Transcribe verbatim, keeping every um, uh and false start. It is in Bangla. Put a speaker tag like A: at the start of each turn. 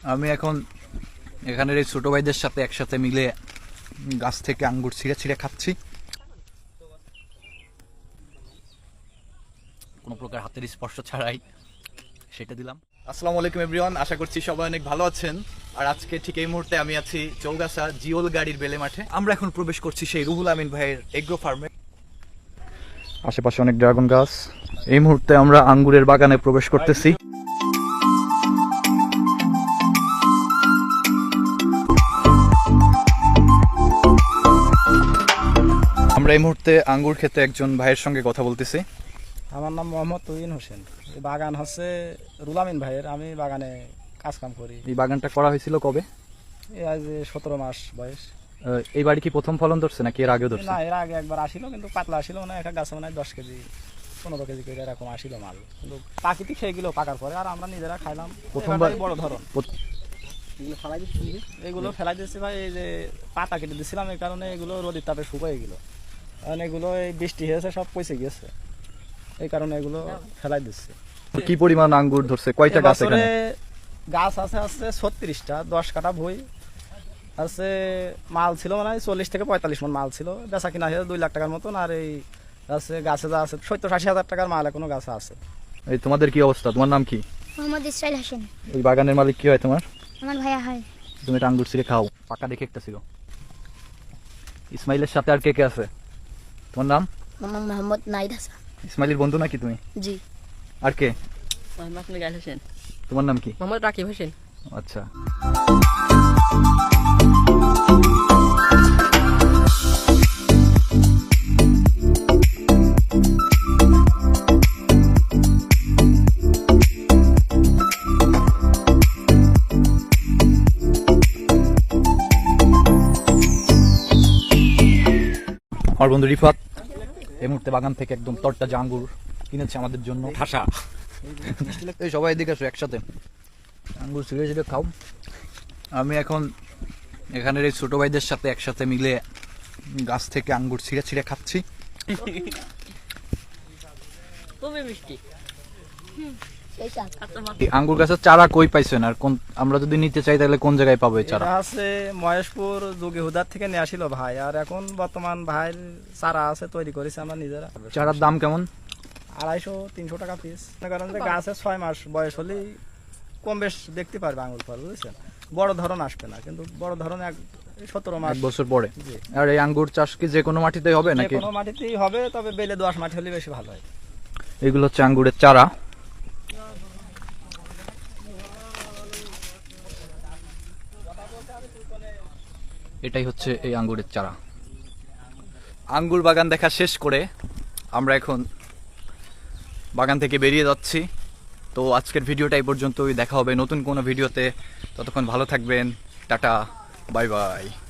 A: আমি এখন এখানের এই ছোট ভাইদের সাথে একসাথে মিলে গাছ থেকে আঙ্গুর ছিঁড়ে ছিঁড়ে খাচ্ছি, কোনো প্রকার হাতের স্পর্শ ছাড়াই সেটা দিলাম। আসসালামু আলাইকুম এভরিওয়ান, আশা করছি সবাই অনেক ভালো আছেন। আর আজকে ঠিক এই মুহূর্তে আমি আছি চৌগাছা জিওল গাড়ির বেলে মাঠে। আমরা এখন প্রবেশ করছি সেই রুহুল আমিন ভাইয়ের এগ্রো ফার্মে। আশেপাশে অনেক ড্রাগন গাছ। এই মুহূর্তে আমরা আঙ্গুরের বাগানে প্রবেশ করতেছি। আমরা এই মুহূর্তে আঙ্গুর খেতে একজন ভাইয়ের সঙ্গে কথা বলতেছি।
B: আমার নাম মোহাম্মদ তুহিন হোসেন। এই বাগান হচ্ছে রুহুল আমিন ভাইয়ের, আমি বাগানে কাজ কাম করি।
A: এই বাগানটা করা হয়েছিল কবে?
B: এই আজ সতেরো মাস বয়স।
A: এই বাড়ি কি প্রথম ফলন ধরছে নাকি এর আগেও ধরছে?
B: না, এর আগে একবার আসিল, কিন্তু পাতলা আসিল না, একটা গাছে মানে দশ কেজি পনেরো কেজি করে এরকম আসিল মাল, কিন্তু প্রাকৃতিক সেগুলো পাকার পরে আর আমরা নিজেরা খাইলাম। প্রথমবার বড় ধরন এগুলো ফেলাই দিচ্ছি ভাই, এই যে পাতা কেটে দিচ্ছিলাম, এই কারণে এগুলো রোদের তাপে শুকিয়ে গেল, কারণ এগুলো এই বৃষ্টি হয়েছে সব পচে গেছে, এই কারণে এগুলো ফেলাই দিচ্ছে।
A: কি পরিমাণ আঙ্গুর ধরছে? কয়টা গাছ এখানে?
B: গাছ আছে আছে ছত্রিশটা, দশ কাটা বই আছে। মাল ছিল মানে চল্লিশ থেকে পঁয়তাল্লিশ মন মাল ছিল, বেচা কিনা হয়েছে দুই লাখ টাকার মতন। আর এই গাছে গাছে যা আছে সত্তর আশি হাজার টাকার মাল এখনো গাছে আছে।
A: এই তোমাদের কি অবস্থা? তোমার নাম কি?
C: মোহাম্মদ ইসরাইল হোসেন।
A: ওই বাগানের মালিক কি হয় তোমার?
C: আমার ভাইয়া হয়।
A: তুমি এটা আঙ্গুর ছিঁড়ে খাও, পাকা দেখে একটা ছিল। ইসমাইলের সাথে আর কে কে আছে? তোমার নাম?
C: আমার মোহাম্মদ নাইদ হাসান।
A: ইসমাইলের বন্ধু নাকি তুমি?
C: জি।
A: আর কে?
D: মোহাম্মদ মিগাইল হোসেন।
A: তোমার নাম কি?
D: মোহাম্মদ রাকিব হোসেন।
A: আচ্ছা। আমার বন্ধু রিফাত এই মুহূর্তে বাগান থেকে একদম তরতাজা আঙ্গুর কিনেছে আমাদের জন্য। ঠাসা। এই সবাই এদিকে আসো, একসাথে আঙ্গুর ছিঁড়ে ছিঁড়ে খাও। আমি এখন এখানের এই ছোট ভাইদের সাথে একসাথে মিলে গাছ থেকে আঙ্গুর ছিঁড়ে ছিঁড়ে খাচ্ছি।
D: খুবই মিষ্টি।
A: আঙ্গুর গাছের চারা কই পাইছেন? আর কোন, আমরা যদি নিতে চাই তাহলে কোন জায়গায় পাবো এই চারা?
B: এটা আছে মহেশপুর যোগী হুদার থেকে নিয়ে আসিল ভাই, আর এখন বর্তমান ভাইয়ের চারা আছে, তৈরি করেছি আমরা নিজেরা।
A: চারার দাম কেমন?
B: আড়াইশো তিনশো টাকা পিস। কারণ যে গাছের ছয় মাস বয়স হলেই কম বেশ দেখতে পারবে আঙুর ফল, বুঝেছেন? বড় ধরন আসবে না, কিন্তু বড় ধরন এক সতেরো মাস
A: এক বছর পরে। আর এই আঙ্গুর চাষ কি যে কোনো মাটিতেই হবে নাকি?
B: কোনো মাটিতেই হবে, তবে বেলে দোআঁশ মাটি হলে বেশি ভালো হয়।
A: এগুলো হচ্ছে আঙ্গুরের চারা। এটাই হচ্ছে এই আঙ্গুরের চারা। আঙ্গুর বাগান দেখা শেষ করে আমরা এখন বাগান থেকে বেরিয়ে যাচ্ছি। তো আজকের ভিডিওটা এই পর্যন্তই, দেখা হবে নতুন কোনো ভিডিওতে। ততক্ষণ ভালো থাকবেন, টাটা, বাই বাই।